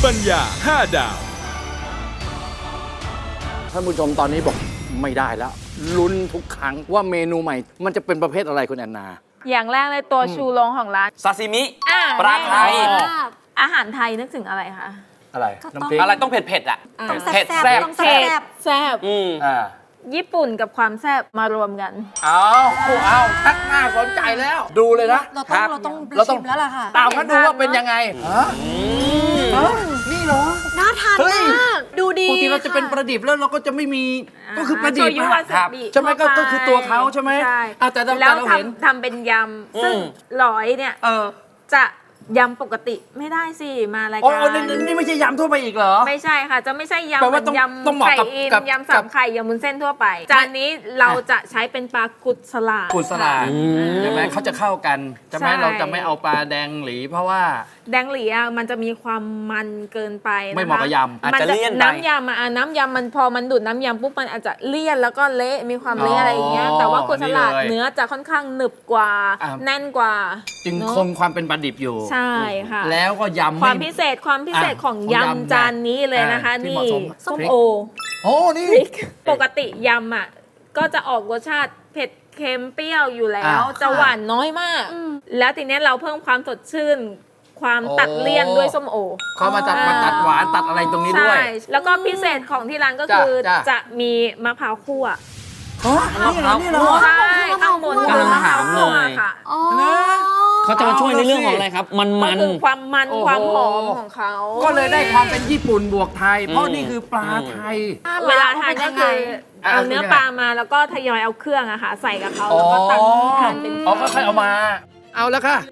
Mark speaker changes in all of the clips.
Speaker 1: ปัญญา5 ดาว
Speaker 2: ท่านผู้ชมตอนนี้บอกไม่ได้แล้วลุ้นทุกครั้งว่าเมนูใหม่ มันจะเป็นประเภทอะไรคุณแอนนา
Speaker 3: อย่างแรกเลยตัวชูโรงของร้าน
Speaker 4: ซาซิมิ
Speaker 3: อ่า
Speaker 4: ปลาไทย
Speaker 3: อาหารไทยนึกถึงอะไรคะ
Speaker 2: อะไร
Speaker 5: ก็ต้อง
Speaker 2: น้ำพริก
Speaker 4: อะไรต้องเผ็ดๆอ่ะ
Speaker 5: ต้อง
Speaker 4: เผ็ด
Speaker 5: แซ่
Speaker 4: แซ่
Speaker 5: บบ ต้องแซ่บ
Speaker 3: แซ่บ
Speaker 2: อ่า
Speaker 3: ญี่ปุ่นกับความแซ่บมารวมกัน
Speaker 2: เอาทักหน้าสนใจแล้ว ดูเลยนะ
Speaker 5: เรา
Speaker 4: ครั
Speaker 5: ต้อง
Speaker 4: บ
Speaker 5: เราต้องชิมแล้วล่ะค่ะ
Speaker 2: ตามกันดูว่าเป็นยังไงนี่เหรอ
Speaker 5: น่าทาน
Speaker 2: เฮ้ย
Speaker 5: มากดูดี
Speaker 2: ปกติเราจะเป็นประดิบแล้วเราก็จะไม่มีก็คือประดิบ
Speaker 3: โชยุ
Speaker 2: อะ
Speaker 3: วาซาบิ
Speaker 2: ใช่ไหมก็คือตัวเขาใช่ไหม
Speaker 3: ใช่
Speaker 2: แต่เรา
Speaker 3: แล้ว
Speaker 2: เห็น
Speaker 3: ทำเป็นยำซึ่งร้อยเนี่ยจะยำปกติไม่ได้สิมาราย
Speaker 2: อ๋
Speaker 3: กา
Speaker 2: อ
Speaker 3: ร
Speaker 2: นี่ไม่ใช่ยำทั่วไปอีกเหรอ
Speaker 3: ไม่ใช่ค่ะ จะไม่ใช่ยำ
Speaker 2: แปล
Speaker 3: เหมื
Speaker 2: ว่า
Speaker 3: อน
Speaker 2: ต้อง
Speaker 3: ย
Speaker 2: ต้องเห
Speaker 3: ำ
Speaker 2: มาะ
Speaker 3: ไข่
Speaker 2: กับ
Speaker 3: อิน
Speaker 2: กับ
Speaker 3: ยำสามไข่ยำมุนเส้นทั่วไป จานนี้เราจะใช้เป็นปลากุดสลาด
Speaker 2: กุศลาใช่ไหมเขาจะเข้ากันใช่ไหม
Speaker 3: ใช่
Speaker 2: เราจะไม่เอาปลาแดงหลีเพราะว่า
Speaker 3: แดงหลีอ่ะมันจะมีความมันเกินไปนะคะ
Speaker 2: ไม่เหมาะกับยำ
Speaker 4: อาจจะเลี่ยนไป
Speaker 3: น้ำยำน้ำยำมันพอมันดูดน้ำยำปุ๊บมันอาจจะเลี่ยนแล้วก็เละมีความเละอะไรอย่างเงี้ยแต่ว่ากุดสลัด
Speaker 2: นี่เลย
Speaker 3: เนื้อจะค่อนข้างหนึบกว่า
Speaker 2: อ่ะ
Speaker 3: แน่นกว่า
Speaker 2: จึง
Speaker 3: เนอะ
Speaker 2: คงความเป็นปลาดิบอยู่
Speaker 3: ใช่ค่ะ
Speaker 2: แล้วก็ยำ
Speaker 3: ความพิเศษของ
Speaker 2: ของยำ
Speaker 3: ยำจานนี้เลยนะคะ
Speaker 2: ที่
Speaker 3: นี่
Speaker 2: เหมาะสม
Speaker 3: ส้ม
Speaker 2: พริก
Speaker 3: โอ
Speaker 2: โอ้นี่
Speaker 3: พริกปกติยำอ่ะก็จะออกรสชาติเผ็ดเค็มเปรี้ยวอยู่แล้ว จะหวานน้อยมาก แล้วทีเนี้ยเราเพิ่มความสดชื่น ความตัดเลี่ยนด้วยส้มโอ
Speaker 2: เขามาตัดหวานตัดอะไรตรงนี้ด้
Speaker 3: ใช่
Speaker 2: วย
Speaker 3: แล้วก็พิเศษของที่ร้านก็คือ
Speaker 2: จ้ะ
Speaker 3: จะมีมะพร้าวคั่ว
Speaker 2: นี่เหรอ
Speaker 3: ใช่ข้างบน
Speaker 4: กำลังถามเลย
Speaker 3: ค่ะ
Speaker 5: อ๋อ
Speaker 4: เขาจะมาช่วยในเรื่องของอะไรครับ มัน
Speaker 3: ก็คือความมัน
Speaker 2: โอ้โห
Speaker 3: ความหอมของเขา
Speaker 2: ก็เลยได้ความเป็นญี่ปุ่นบวกไทย เพราะนี่คือปลาไทย
Speaker 3: เวลาทานก็คือ
Speaker 2: อ่ะ
Speaker 3: เอาเนื้อปลามาแล้วก็ทยอยเอาเครื่องอะค่ะใส่กับเขาแล้วก็ตักทานเป็น
Speaker 2: อ๋อก็ค่อยเอามา เอาแล้วค่ะ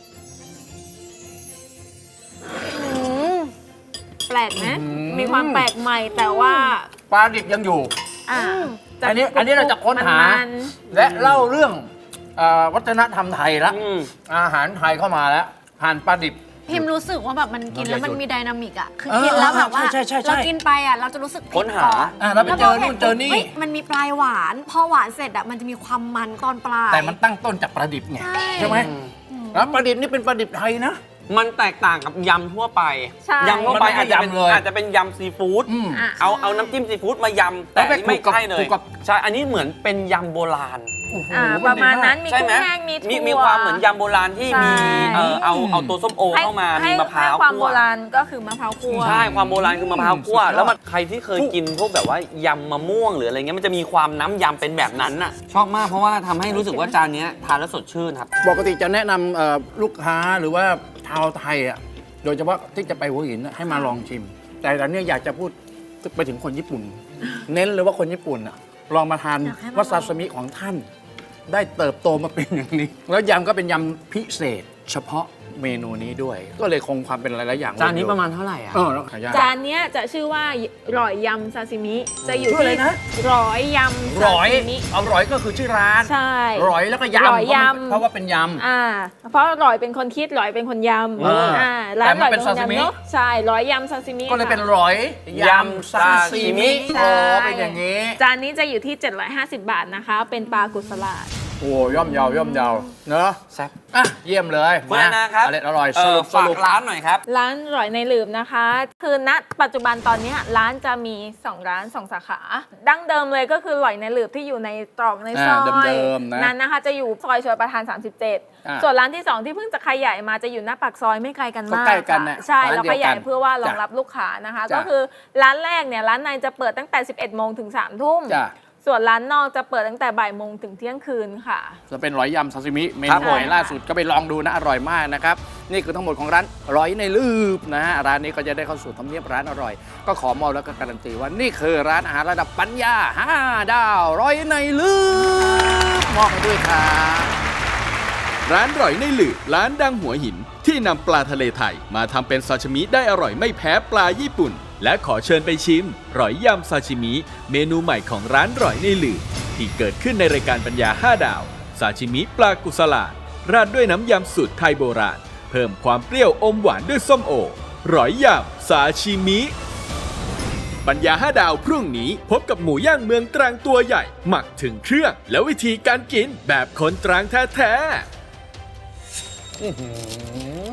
Speaker 3: แปลกไหม
Speaker 2: อืม
Speaker 3: มีความแปลกใหม่แต่ว่า
Speaker 2: ปลาดิบยังอยู่
Speaker 3: อ่ะ
Speaker 2: อันนี้เราจะค้นหา
Speaker 3: มัน
Speaker 2: และเล่าเรื่องวัฒนธรรมไทยละ
Speaker 4: อืม
Speaker 2: อาหารไทยเข้ามาแล้วผ่านปลาดิบ
Speaker 5: พิมรู้สึกว่าแบบมันกินแล้วมันมีไดนามิกอ่ะคือ
Speaker 2: เออ
Speaker 5: กินแล้วแบบว่า
Speaker 2: ใช่
Speaker 5: เรากินไปอ่ะเราจะรู้สึก
Speaker 4: ค้นหา
Speaker 2: แล้วไปเจอนู่นเจอนี่
Speaker 5: ฮ้ยมันมีปลายหวานพอหวานเสร็จอ่ะมันจะมีความมันตอนปลาย
Speaker 2: แต่มันตั้งต้นจากปลาดิบไง
Speaker 5: ใช่
Speaker 2: ไหมแล้วปลาดิบนี่เป็นปลาดิบไทยนะ
Speaker 4: มันแตกต่างกับยำทั่วไป
Speaker 3: ใช่
Speaker 4: ยำทั่วไป
Speaker 2: มันไม่
Speaker 4: อาจจะเป็น
Speaker 2: ยำเลย
Speaker 4: อาจจะเป็นยำซีฟู้ด
Speaker 2: อืม
Speaker 3: อ่ะ
Speaker 4: เอาน้ำจิ้มซีฟู้ดมายำ แต่
Speaker 2: แล้วไป
Speaker 4: อันนี้ไม่
Speaker 2: คลุกกับ
Speaker 4: ใช่เลย
Speaker 2: คลุกกับ
Speaker 4: ใช่ อันนี้เหมือนเป็นยำโบราณ
Speaker 2: โอ้โห
Speaker 3: ประมาณนั้นมี
Speaker 4: ใช่
Speaker 3: กุ้
Speaker 4: ไหม
Speaker 3: งแห้งมีถั่ว
Speaker 4: มีความเหมือนยำโบราณที่มี
Speaker 3: ใช่
Speaker 4: เอาตัวส้มโอเข้ามา
Speaker 3: ให้
Speaker 4: มีมะพร้าว
Speaker 3: ให้ความ
Speaker 4: คั่
Speaker 3: โบราณก็คือมะพร้าวคั่ว
Speaker 4: ใช่ ความโบราณคือมะพร้าวคั่ว
Speaker 2: สุดยอด
Speaker 4: แล้วมันใครที่เคยกินพวกแบบว่ายำมะม่วงหรืออะไรเงี้ยมันจะมีความน้ำยำเป็นแบบนั้นน่ะ ชอบมากเพราะว่าทำให้รู้สึกว่าจานเนี้ยทานแล้วสดชื่นครับ
Speaker 2: ปกติจะแนะนำลูกค้าหรือว่าชาวไทยอ่ะโดยเฉพาะที่จะไปหัวหินน่ะให้มาลองชิม แต่ตอนนี้อยากจะพูดไปถึงคนญี่ปุ่น เน้นเลยว่าคนญี่ปุ่นอ่ะลองมาทาน
Speaker 5: อยากให้มาลอง
Speaker 2: วาซาซิมิของท่าน ได้เติบโตมาเป็นอย่างนี้ แล้วยำก็เป็นยำพิเศษ เฉพาะเมนูนี้ด้วย ก็เลยคงความเป็นหลายๆอย่าง
Speaker 4: จานนี้ประมาณเท่าไหร่อ่ะ
Speaker 2: แล้วขายาก
Speaker 3: จานเนี้ยจะชื่อว่าร้อยยำซาซิมิ จะอยู่
Speaker 2: ชื่ออะไร
Speaker 3: ที่
Speaker 2: นะ
Speaker 3: ร้อยยำซา
Speaker 2: ร้อย
Speaker 3: ซิมิ
Speaker 2: เอาร้อยก็คือชื่อร้าน
Speaker 3: ใช่
Speaker 2: ร้อยแล้วก็ยำ
Speaker 3: ร้อยยำ
Speaker 2: เพราะว่าเป็นยำ
Speaker 3: เพราะร้อยเป็นคนคิดร้อยเป็นคนยำ ร้าน
Speaker 2: แต่มัน
Speaker 3: ร้อย
Speaker 2: เป็น
Speaker 3: คน
Speaker 2: ซาซิมิ
Speaker 3: ยำเนอะใช่ร้อยยำซาซิมิ
Speaker 2: ก็เลย
Speaker 3: ค่ะ
Speaker 2: เป็นร้อยยำซาซิมิ
Speaker 3: ใช่
Speaker 2: โอ้เป็นอย่างนี้
Speaker 3: จานนี้จะอยู่ที่ 750 บาทนะคะ เป็นปลากุสลาด
Speaker 2: โอ้ย่อมเยาวเนอะ
Speaker 4: แซ่บ
Speaker 2: อ่ะเยี่ยมเลย
Speaker 4: คุณแอนนาครับ
Speaker 2: อร่อยสรุป
Speaker 4: ฝากร้านหน่อยครับ
Speaker 3: ร้านร้อยในหลืมนะคะ คือณปัจจุบันตอนเนี้ยร้านจะมี 2 ร้าน 2 สาขา ดั้งเดิมเลยก็คือร้อยในหลืบที่อยู่ในตรอกในซอย
Speaker 2: เดิมๆนะ
Speaker 3: นั้นนะคะจะอยู่ซอยชลประทาน 37 ส่วนร้านที่ 2 ที่เพิ่งจะขยายมาจะอยู่หน้าปากซอยไม่ไกลกันมาก
Speaker 2: ก็ใกล้กันน่ะ
Speaker 3: ค่ะใช่
Speaker 2: ร้าน
Speaker 3: เรา
Speaker 2: เดียวกัน
Speaker 3: ขยายเพื่อว่ารอง
Speaker 2: จ้ะ
Speaker 3: รับลูกค้านะคะ
Speaker 2: จ้ะ
Speaker 3: ก็คือร้านแรกเนี่ยร้านในจะเปิดตั้งแต่ 11 โมงถึง 3 ทุ่ม
Speaker 2: จ้ะ
Speaker 3: ส่วนร้านนอกจะเปิดตั้งแต่บ่ายโมงถึงเที่ยงคืนค่ะ
Speaker 2: จะเป็นร้อยยำซาซิมิเม
Speaker 4: ครั
Speaker 2: นู
Speaker 4: บผม
Speaker 2: ใหม่ล่าสุดก็ไปลองดูนะ อร่อยมากนะครับ นี่คือทั้งหมดของร้านร้อยในลืบนะฮะร้านนี้ก็จะได้เข้าสู่ทำเนียบร้านอร่อย ก็ขอมอบแล้วก็การันตีว่านี่คือร้านอาหารระดับปัญญา5 ดาวร้อยในลืบมอบให้ด้วยครับ
Speaker 1: ร้านร่อยในหลืบร้านดังหัวหิน ที่นำปลาทะเลไทยมาทำเป็นซาชิมิได้อร่อยไม่แพ้ปลาญี่ปุ่น และขอเชิญไปชิมร่อยยำซาชิมิ เมนูใหม่ของร้านร่อยในหลืบที่เกิดขึ้นในรายการปัญญา5 ดาวซาชิมิปลากุสลาดราดด้วยน้ำยำสูตรไทยโบราณ เพิ่มความเปรี้ยวอมหวานด้วยส้มโอร่อยยำซาชิมิ ปัญญา5 ดาวพรุ่งนี้พบกับหมูย่างเมืองตรังตัวใหญ่ หมักถึงเครื่อง และวิธีการกินแบบคนตรังแท้ๆ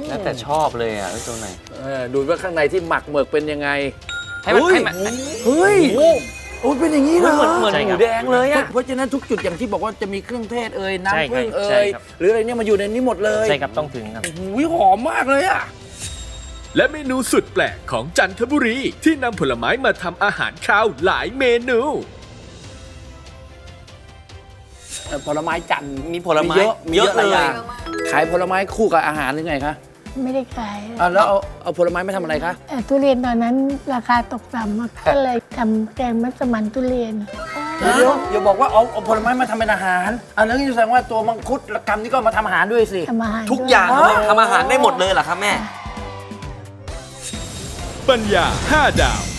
Speaker 4: แล้วแต่ชอบเลยอ่ะตัวไหน
Speaker 2: ดูว่าข้างในที่หมักเหมือกเป็นยังไง
Speaker 4: ให้มัน
Speaker 2: เฮ้ย
Speaker 4: ให้มัน
Speaker 2: เฮ้ยโอ้เป็นอย่างนี้เหรอ
Speaker 4: เหมือนหมูแดงเลยอ่ะ
Speaker 2: เพราะฉะนั้นทุกจุดอย่างที่บอกว่าจะมีเครื่องเทศเอ่ย
Speaker 6: ใช่
Speaker 2: น้ำผึ้ง
Speaker 6: ครับ
Speaker 2: เอ่
Speaker 6: ใช่
Speaker 2: ย
Speaker 6: ครับ
Speaker 2: หรืออะไรเนี่ยมาอยู่ในนี้หมดเลย
Speaker 6: ใช่ครับต้องถึงครับ
Speaker 2: อุ้ยหอมมากเลยอ่ะ
Speaker 1: และเมนูสุดแปลกของจันทบุรีที่นำผลไม้มาทำอาหารคาวหลายเมนู
Speaker 2: ผลไม้จันทร์
Speaker 4: มีผลไม้
Speaker 2: มีเยอะ
Speaker 4: เยอะ
Speaker 2: หลายอ
Speaker 4: เลย
Speaker 2: ย่างขายผลไม้คู่กับอาหารหรือไงคะ
Speaker 7: ไม่ได้ขาย
Speaker 2: แล้วเอาผลไม้มาทำอะไรคะ
Speaker 7: ทุเรียนตอนนั้นราคาตกต่ำมากก็เลยทำแกงมัสมั่นทุเรียน
Speaker 2: เดี๋ยวอย่าบอกว่าเอาผลไม้มาทำเป็นอาหารอันนั้นแสดงว่าตัวมังคุดและกำนี่ก็มาทำอาหารด้วยสิ
Speaker 7: ทำอาหาร
Speaker 4: ทุก
Speaker 7: ด้วย
Speaker 4: อย่าง
Speaker 2: อ๋อ
Speaker 4: ทำอาหารได้หมดเลยเหรอครับแม่
Speaker 1: ปัญญา 5 ดาว